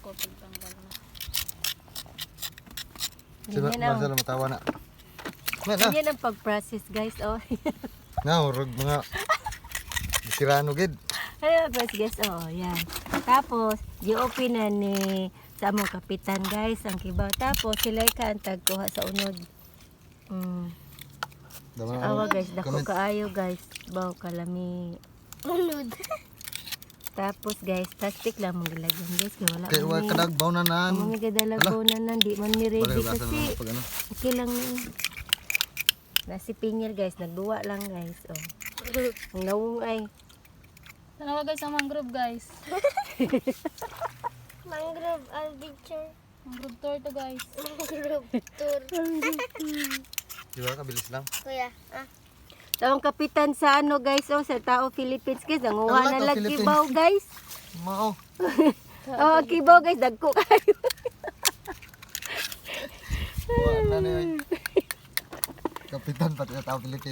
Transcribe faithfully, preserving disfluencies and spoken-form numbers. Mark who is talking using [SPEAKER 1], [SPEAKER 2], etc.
[SPEAKER 1] ko pagtanggal na.
[SPEAKER 2] Si
[SPEAKER 3] Ganyan ang,
[SPEAKER 2] Marcelo matawa na. Man na.
[SPEAKER 3] ganyan ang pag-process guys. Oh.
[SPEAKER 2] Na urog mga sirano gid.
[SPEAKER 3] Ano guys guys. Oh, yan. Tapos, gi-open na ni sa among kapitan guys ang kibaw. Tapos, sila ka ang tagkuha sa unod. Mm.
[SPEAKER 2] Dama
[SPEAKER 3] Awa guys, dako
[SPEAKER 2] comment.
[SPEAKER 3] kaayo guys. Baw kalami.
[SPEAKER 1] Unod.
[SPEAKER 3] Tapos guys, plastic lang mong gilagyan guys. Kaya wala
[SPEAKER 2] Kay wa
[SPEAKER 3] kami.
[SPEAKER 2] kadagbaw na nan.
[SPEAKER 3] Ang mga gadalago na nan, di man ni ready
[SPEAKER 2] Balik ugasan
[SPEAKER 3] kasi.
[SPEAKER 2] mo pag ano.
[SPEAKER 3] Okay lang yun. Nasi pinyal guys, nagduwa lang guys. Oh. Ang nawong ay.
[SPEAKER 1] Tanawa guys ang mangrove guys.
[SPEAKER 4] Mangrove adventure.
[SPEAKER 1] Mangrove tour to guys.
[SPEAKER 4] Mangrove tour.
[SPEAKER 2] Di ba kabilis lang.
[SPEAKER 4] Kuya, ah.
[SPEAKER 3] So, ang kapitan sa ano guys, oh, sa Tao Philippines guys, nanguha
[SPEAKER 2] Ala,
[SPEAKER 3] na
[SPEAKER 2] Tao
[SPEAKER 3] lang
[SPEAKER 2] Philippines.
[SPEAKER 3] kibaw guys.
[SPEAKER 2] Mao.
[SPEAKER 3] Oh, ang kibaw guys, dagko kayo.
[SPEAKER 2] Wa na ni. Kapitan pati sa tao Pilipinas.